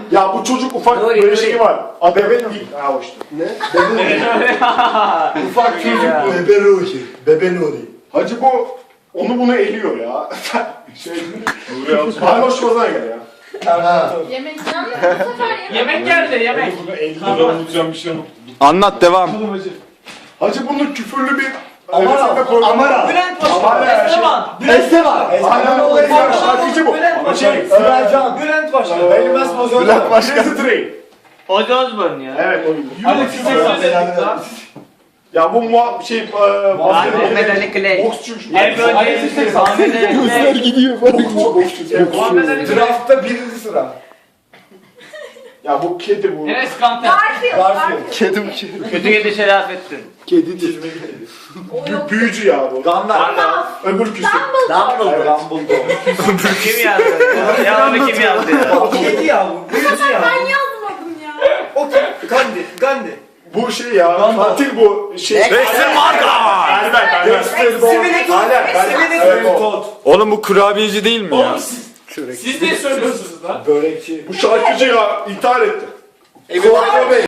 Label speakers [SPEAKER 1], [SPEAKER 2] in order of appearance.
[SPEAKER 1] Ya bu çocuk ufak
[SPEAKER 2] Nuri,
[SPEAKER 1] böyle
[SPEAKER 2] Nuri.
[SPEAKER 1] şeyi var. Bebe Nuri. Ha o işte.
[SPEAKER 3] Ne?
[SPEAKER 1] Ufak çocuk bu.
[SPEAKER 3] Bebe Ruhi. Bebe Nuri.
[SPEAKER 1] Hacı bu onu bunu eliyor ya. Şey. Nuri al. Baynoş Kozan'a gel ya.
[SPEAKER 4] Yemek yalnız bu sefer
[SPEAKER 5] Yemek geldi yemek.
[SPEAKER 1] Bunu eliyor. Unutacağım bir şey yok.
[SPEAKER 6] Anlat devam.
[SPEAKER 1] Hacı bunun küfürlü bir
[SPEAKER 3] Amara.
[SPEAKER 1] resimde programı
[SPEAKER 3] Amara.
[SPEAKER 1] var.
[SPEAKER 5] Bülent
[SPEAKER 1] Amara
[SPEAKER 5] Başkan.
[SPEAKER 1] ya,
[SPEAKER 5] Esteban.
[SPEAKER 3] Esteban.
[SPEAKER 1] Aynen o
[SPEAKER 3] Esteban.
[SPEAKER 1] şarkıcı bu.
[SPEAKER 5] Bülent
[SPEAKER 1] Ama
[SPEAKER 5] Başkan.
[SPEAKER 1] şey,
[SPEAKER 3] Sibelcan.
[SPEAKER 5] Bülent Başkan.
[SPEAKER 3] Bilmez mi o zaman?
[SPEAKER 1] Bülent Başkan. Crazy Train.
[SPEAKER 2] Ozzy Osbourne ya.
[SPEAKER 1] Evet oyun.
[SPEAKER 5] Hadi siz
[SPEAKER 1] Ya bu
[SPEAKER 2] Muhammed Ali Clay.
[SPEAKER 1] boksçu.
[SPEAKER 2] Ebru Ceylan. Muhammed Ali Clay.
[SPEAKER 6] gidiyor.
[SPEAKER 5] Muhammed Ali Clay.
[SPEAKER 3] Draft'ta birinci sıra.
[SPEAKER 1] Ya bu kedi bu.
[SPEAKER 5] Enes Kanter.
[SPEAKER 3] Garfield.
[SPEAKER 6] Kedim.
[SPEAKER 2] Kötü yedi Şerafettin.
[SPEAKER 6] Kedidir.
[SPEAKER 1] Büyücü ya bu.
[SPEAKER 3] Gamlar.
[SPEAKER 1] Öbür küsü.
[SPEAKER 3] Dumbledore.
[SPEAKER 2] Kim yazdı? Ya onu kim yazdı ya?
[SPEAKER 3] Kedi ya bu. Büyücü ya.
[SPEAKER 4] Ben yazmadım ya.
[SPEAKER 3] O kim? Gandhi.
[SPEAKER 1] Bu şey ya. Katil bu. Şey.
[SPEAKER 6] Dexter Marga.
[SPEAKER 1] Albert.
[SPEAKER 6] Oğlum bu kurabiyeci değil mi ya?
[SPEAKER 5] Siz ne söylüyorsunuz lan?
[SPEAKER 3] Börekçi.
[SPEAKER 1] Bu şarkıcı ya intihar etti.
[SPEAKER 3] Emin